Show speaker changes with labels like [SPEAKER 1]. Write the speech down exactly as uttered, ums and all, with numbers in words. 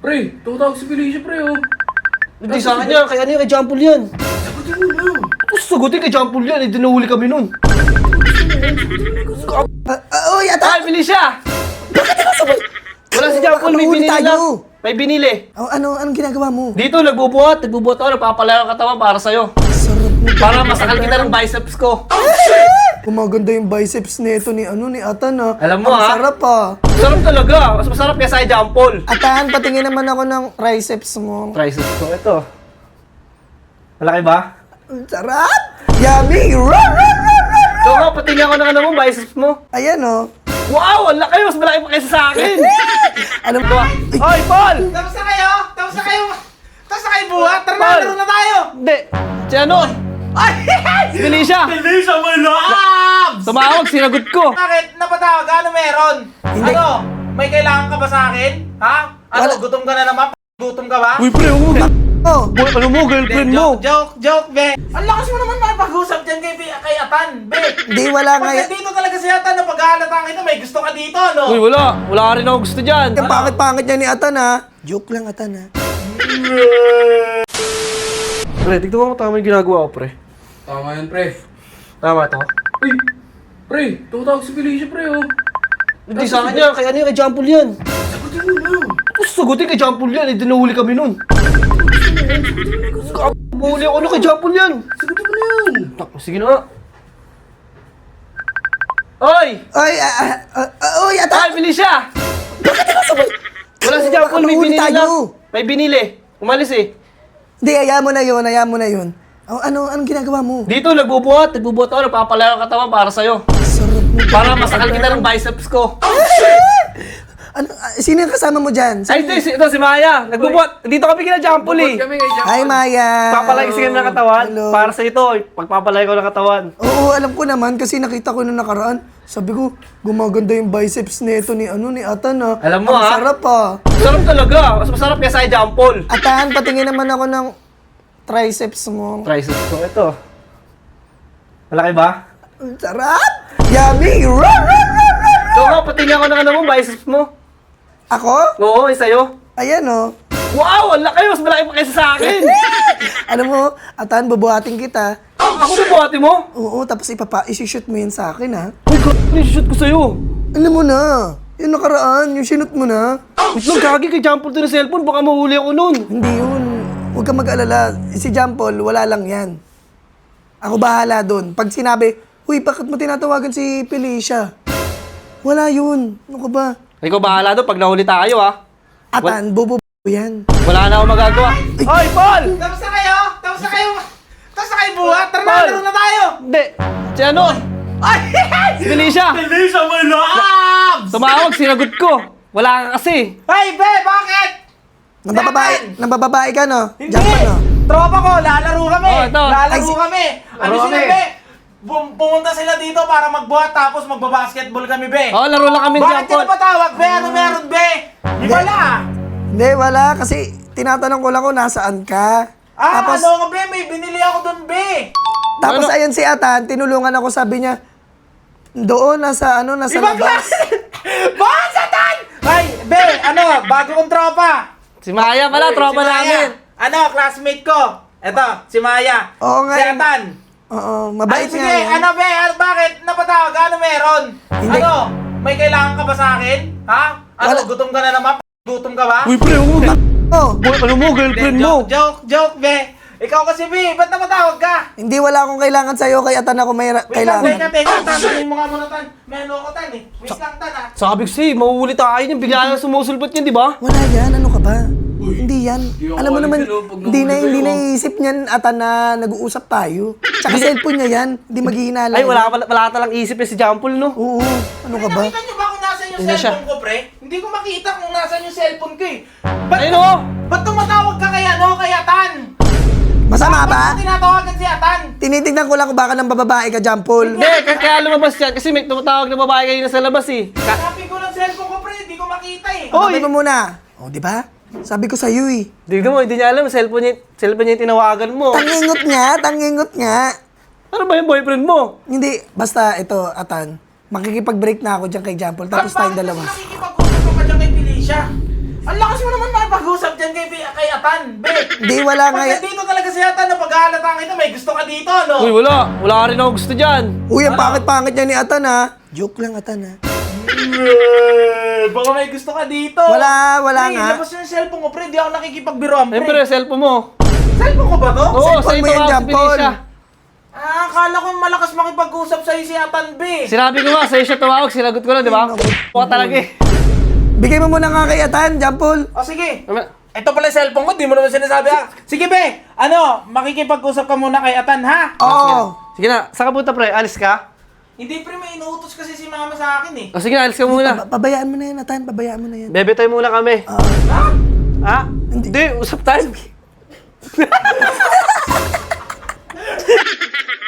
[SPEAKER 1] Pre, tutawag si Felicia, pre, oh.
[SPEAKER 2] Hindi sa akin yan, kaya ano yung kay John Paul yan?
[SPEAKER 1] Sagutin mo na.
[SPEAKER 2] Tapos sagutin kay John Paul yan, eh, dinahuli kami nun.
[SPEAKER 3] Ah, ah, Uy, ata!
[SPEAKER 2] Ay, Felicia!
[SPEAKER 3] Bakit ka sabay?
[SPEAKER 2] Wala si John Paul, may
[SPEAKER 3] Nahuli
[SPEAKER 2] binili
[SPEAKER 3] tayo.
[SPEAKER 2] lang. May binili.
[SPEAKER 3] Oh, ano, anong ginagawa mo?
[SPEAKER 2] Dito, nagbubuhat, nagbubuhat ako, nagpapalayo ang katawan para sa'yo.
[SPEAKER 3] Sarap mo.
[SPEAKER 2] Para masakal kita ng biceps ko.
[SPEAKER 3] Gumaganda yung biceps nito ni ano ni Atan ah.
[SPEAKER 2] Alam mo,
[SPEAKER 3] Ang
[SPEAKER 2] ah.
[SPEAKER 3] sarap ah.
[SPEAKER 2] Sarap talaga. Mas masarap kaya sa John Paul.
[SPEAKER 3] Atan, patingin naman ako ng triceps mo.
[SPEAKER 2] Triceps ko, ito. Malaki ba?
[SPEAKER 3] Ang sarap! Yummy! Rah, rah, rah, rah, rah.
[SPEAKER 2] So, nga, patingin ako ng ano mo, biceps mo.
[SPEAKER 3] Ayan oh.
[SPEAKER 2] Wow, ang laki. Mas malaki pa kaysa sa akin.
[SPEAKER 3] Ano
[SPEAKER 2] Ito ah. Hoy, Paul!
[SPEAKER 4] Tapos na kayo? Tapos na kayo? Tapos na kayo buhat? Tara na,
[SPEAKER 2] Paul!
[SPEAKER 4] laro na tayo!
[SPEAKER 2] Hindi. Si ano?
[SPEAKER 4] Ay!
[SPEAKER 2] Si Felicia.
[SPEAKER 4] Felicia, my loves!
[SPEAKER 2] Tumawag, sinagot ko.
[SPEAKER 4] Bakit? Napatawag ka? Ano meron?
[SPEAKER 3] Hindi.
[SPEAKER 4] Ano? May kailangan ka ba sa akin? Ha? Ano?
[SPEAKER 3] Wala.
[SPEAKER 4] Gutom ka na naman? Gutom ka ba?
[SPEAKER 2] Uy, pre, huwag mo.
[SPEAKER 3] Oh,
[SPEAKER 2] Boy, ano mo, girlfriend mo?
[SPEAKER 4] Joke, joke, joke, be. Ang lakas mo naman makipag-usap dyan kay, kay Atan, be.
[SPEAKER 3] di wala nga
[SPEAKER 4] Pag
[SPEAKER 3] yan.
[SPEAKER 4] dito talaga si Atan, na pag-ahalata kita, may gusto ka dito, no?
[SPEAKER 2] Uy, wala. Wala ka rin ako gusto dyan.
[SPEAKER 3] Yung pangit-pangit niya ni Atan ah. Joke lang Atan ah.
[SPEAKER 2] Pre, tignan mo kung tama yung ginagawa ko, pre.
[SPEAKER 1] Tama yan, pre.
[SPEAKER 2] Tama to?
[SPEAKER 1] Uy, pre, tutawag si Felicia, pre, oh.
[SPEAKER 2] Hindi sa akin yan, kaya ano yung kay John Paul yan?
[SPEAKER 1] Sagutin mo na.
[SPEAKER 2] Tapos sagutin kay John Paul yan, eh, dinahuli kami nun. Mahuli ako na kay John Paul yan.
[SPEAKER 1] Sagutin mo na yan.
[SPEAKER 2] Tak, sige na nga. Oy!
[SPEAKER 3] Ay, ah, ah, ah, ah, uy,
[SPEAKER 2] Ay,
[SPEAKER 3] Atan!
[SPEAKER 2] Felicia!
[SPEAKER 3] Bakit ka sabay?
[SPEAKER 2] Wala si John Paul, may
[SPEAKER 3] Nahuli
[SPEAKER 2] binili
[SPEAKER 3] tayo.
[SPEAKER 2] lang. May binili. Umalis eh.
[SPEAKER 3] Hindi, ayaw mo na yun, ayaw mo na yun. Oh, ano, anong ginagawa mo?
[SPEAKER 2] Dito, nagbubuhat. Nagbubuhat ako, nagpapalayo ang katawan para sa'yo.
[SPEAKER 3] Sarap mo.
[SPEAKER 2] Para masakal kita ng biceps ko.
[SPEAKER 3] Ano, ah, sino yung kasama mo dyan?
[SPEAKER 2] Ay, ito, ito si Maya. Nagbubuhat. Dito kami kina John Paul eh.
[SPEAKER 1] Bukod kami kay Jack.
[SPEAKER 3] Hi, Maya.
[SPEAKER 2] Papalay kasi ng katawan.
[SPEAKER 3] Hello.
[SPEAKER 2] Para sa ito, pagpapalay ko ng katawan.
[SPEAKER 3] Oo, alam ko naman kasi nakita ko nung nakaraan. Sabi ko, gumaganda yung biceps nito ni ano ni Atan ah.
[SPEAKER 2] Alam mo,
[SPEAKER 3] Ang
[SPEAKER 2] ah.
[SPEAKER 3] sarap ah.
[SPEAKER 2] Sarap talaga. Mas masarap kaya sa John Paul.
[SPEAKER 3] Atan, patingin naman ako ng triceps mo.
[SPEAKER 2] Triceps ko, ito. Malaki ba?
[SPEAKER 3] Ang sarap! Yummy! Rah, rah, rah, rah, rah.
[SPEAKER 2] So nga, patingin ako ng ano mo, biceps mo.
[SPEAKER 3] Ako?
[SPEAKER 2] Oo, yung sa'yo.
[SPEAKER 3] Ayan oh.
[SPEAKER 2] Wow, ang laki. Mas malaki pa kaysa sa akin.
[SPEAKER 3] Alam mo, Atan, bubuhatin kita.
[SPEAKER 2] Ako na buhati mo.
[SPEAKER 3] Oo, tapos ipapa, isi-shoot mo yun sa akin ha.
[SPEAKER 2] Uy, God, shoot ko sa'yo.
[SPEAKER 3] Alam mo na, yung nakaraan, yung sinut mo na.
[SPEAKER 2] Wait lang, gagi kay John Paul to ng cellphone. Baka mahuli ako nun.
[SPEAKER 3] Hindi yun. Huwag kang mag-alala. Si John Paul, wala lang yan. Ako bahala doon. Pag sinabi, huy, bakit mo tinatawagan si Felicia? Wala yun. Ano ka ba?
[SPEAKER 2] Ikaw bahala doon pag nahuli tayo, ha?
[SPEAKER 3] Atan, bobo yan.
[SPEAKER 2] Wala na akong magagawa. Hoy, Paul!
[SPEAKER 4] Tapos na kayo? Tapos na kayo? Tapos na kayo buhat? Tara na,
[SPEAKER 2] Paul!
[SPEAKER 4] laro na tayo!
[SPEAKER 2] Hindi. Si ano?
[SPEAKER 4] Ay!
[SPEAKER 2] Si Felicia.
[SPEAKER 4] Felicia, my loves!
[SPEAKER 2] Tumawag, sinagot ko. Wala ka kasi.
[SPEAKER 4] Hey, be, bakit?
[SPEAKER 3] Nambababae, nambababae ka, no?
[SPEAKER 4] Hindi!
[SPEAKER 3] John Paul, no?
[SPEAKER 4] Tropa ko, lalaro kami!
[SPEAKER 2] Oh, ito.
[SPEAKER 4] Lalaro
[SPEAKER 3] Ay, si-
[SPEAKER 4] kami! Ano
[SPEAKER 2] Laro
[SPEAKER 4] sila,
[SPEAKER 2] kami.
[SPEAKER 4] be? Bum- pumunta sila dito para magbuhat tapos magbabasketball kami, be!
[SPEAKER 2] Oo, laro lang kami,
[SPEAKER 4] Bakit
[SPEAKER 2] John
[SPEAKER 4] ka
[SPEAKER 2] Paul.
[SPEAKER 4] napatawag, be? Ano meron, be? Di ba na?
[SPEAKER 3] Hindi, wala. Kasi tinatanong ko lang kung nasaan ka.
[SPEAKER 4] Ah,
[SPEAKER 3] tapos,
[SPEAKER 4] ano nga, be? May binili ako doon, be!
[SPEAKER 3] tapos
[SPEAKER 2] Ano?
[SPEAKER 3] ayun si Atan, tinulungan ako, sabi niya, doon, nasa ano, nasa
[SPEAKER 4] Ibang
[SPEAKER 3] labas.
[SPEAKER 4] klase! Bakit satan? Ay, be, ano, bago kong tropa.
[SPEAKER 2] Si Maya pala,
[SPEAKER 4] Uy,
[SPEAKER 2] tropa
[SPEAKER 4] si Maya.
[SPEAKER 2] namin.
[SPEAKER 4] Ano, classmate ko. Eto, si Maya.
[SPEAKER 3] Oo nga,
[SPEAKER 4] Si
[SPEAKER 3] yun.
[SPEAKER 4] Atan.
[SPEAKER 3] Oo,
[SPEAKER 4] Ay,
[SPEAKER 3] mabait
[SPEAKER 4] sige,
[SPEAKER 3] nga yan.
[SPEAKER 4] ano, be, ano, bakit? Napatawag, ano meron?
[SPEAKER 3] Hindi.
[SPEAKER 4] Ano, may kailangan ka ba sa akin? Ha? Ano,
[SPEAKER 3] Wala.
[SPEAKER 4] gutom ka na naman? Gutom ka ba?
[SPEAKER 2] Uy, pre, huwag mo.
[SPEAKER 3] Oh,
[SPEAKER 2] Boy, ano mo, girlfriend mo?
[SPEAKER 4] Joke, joke, joke, be. Ikaw kasi, be, ba't napatawag ka?
[SPEAKER 3] hindi wala akong kailangan sa'yo, kay Atan ako may ra-
[SPEAKER 4] Wait lang, teka,
[SPEAKER 3] kailangan.
[SPEAKER 4] teka, tatanin mo nga muna, Tan. May ano ko, Tan, eh. Wait lang, Tan, ah.
[SPEAKER 2] Sabi ko sa'yo, mahuhuli tayo niyan. Bigla lang sumusulpot niyan, di ba?
[SPEAKER 3] Wala yan, ano ka ba? Hindi yan.
[SPEAKER 1] ako
[SPEAKER 3] Alam mo
[SPEAKER 1] alis
[SPEAKER 3] naman,
[SPEAKER 1] yun, oh, pag
[SPEAKER 3] hindi na,
[SPEAKER 1] nahuli
[SPEAKER 3] hindi
[SPEAKER 1] kayo.
[SPEAKER 3] naisip niyan, Atan, na nag-uusap tayo. Tsaka cellphone niya yan, hindi maghihinala.
[SPEAKER 2] Ay,
[SPEAKER 3] yan.
[SPEAKER 2] wala, wala, wala talang isip eh si John Paul, no?
[SPEAKER 3] Oo, ano ka ba?
[SPEAKER 4] Nakita niyo ba kung nasan yung
[SPEAKER 2] Hindi na siya.
[SPEAKER 4] cellphone ko, pre? Hindi ko makita kung nasan yung cellphone ko, eh. Ba't,
[SPEAKER 2] Ayun, oh!
[SPEAKER 4] ba't tumatawag ka kay ano, kay Atan?
[SPEAKER 3] Masama
[SPEAKER 4] Ba't
[SPEAKER 3] ba?
[SPEAKER 4] mo tinatawagan si Atan?
[SPEAKER 3] Tinitignan ko lang kung baka nang bababae ka, John Paul.
[SPEAKER 2] Hindi, kaya, kaya lumabas yan. Kasi may tumatawag na babae kanina sa labas eh. Ka-
[SPEAKER 4] Hanapin ko ng cellphone ko, pre. Hindi ko makita, eh.
[SPEAKER 2] Oh,
[SPEAKER 3] Sabi mo muna. O, di ba? Sabi ko sa'yo eh.
[SPEAKER 2] Tignan mo, hindi niya alam. Cellphone niya, cellphone niya yung tinawagan mo.
[SPEAKER 3] Tangingot nga, tangingot nga.
[SPEAKER 2] Ano ba yung boyfriend mo?
[SPEAKER 3] Hindi, basta ito, Atan. Makikipag-break na ako dyan kay John Paul, tapos
[SPEAKER 4] Ba't
[SPEAKER 3] tayong
[SPEAKER 4] bakit
[SPEAKER 3] dalawa.
[SPEAKER 4] kasi nakikipag-usap ka pa dyan kay Felicia? Ang lakas mo naman makipag-usap dyan kay, kay Atan, be.
[SPEAKER 3] Hindi, wala nga
[SPEAKER 4] Pag
[SPEAKER 3] yan.
[SPEAKER 4] dito talaga si Atan na pag-aalataan kita, may gusto ka dito, no?
[SPEAKER 2] Uy, wala. Wala ka rin ako gusto dyan.
[SPEAKER 3] Uy, ang pangit-pangit niya ni Atan ha. Joke lang, Atan ha.
[SPEAKER 4] Eh, baka may gusto ka dito.
[SPEAKER 3] Wala, wala
[SPEAKER 4] Pre,
[SPEAKER 3] nga.
[SPEAKER 4] labas yung cellphone ko, pre. Di ako nakikipagbiroan, pre.
[SPEAKER 2] Siyempre, cellphone mo.
[SPEAKER 4] Cellphone ko ba to?
[SPEAKER 2] Oo,
[SPEAKER 3] Cellphone
[SPEAKER 2] sa'yo
[SPEAKER 3] mo yan,
[SPEAKER 2] tumawag si
[SPEAKER 3] Jampol.
[SPEAKER 2] Felicia.
[SPEAKER 4] Ah, akala ko malakas makipag-usap sa'yo si Atan, be.
[SPEAKER 2] Sinabi ko nga, sa'yo siya tumawag, sinagot ko lang, di ba? Buka talaga eh.
[SPEAKER 3] Bigay mo muna nga kay Atan, Jampol.
[SPEAKER 4] O, sige.
[SPEAKER 2] Ano?
[SPEAKER 4] Ito pala yung cellphone ko, di mo naman sinasabi, ha? Sige, be. Ano, makikipag-usap ka muna kay Atan, ha?
[SPEAKER 3] Oo.
[SPEAKER 2] Sige na, saan ka punta pre? Alis ka?
[SPEAKER 4] Hindi, pre, may inuutos kasi si mama sa akin, eh.
[SPEAKER 2] O sige na, alis ka muna.
[SPEAKER 3] Pa- pabayaan mo na yan, Atan. Pabayaan mo na yan.
[SPEAKER 2] Bebe tayo muna kami.
[SPEAKER 4] Ha?
[SPEAKER 2] Ha? Hindi, usap tayo.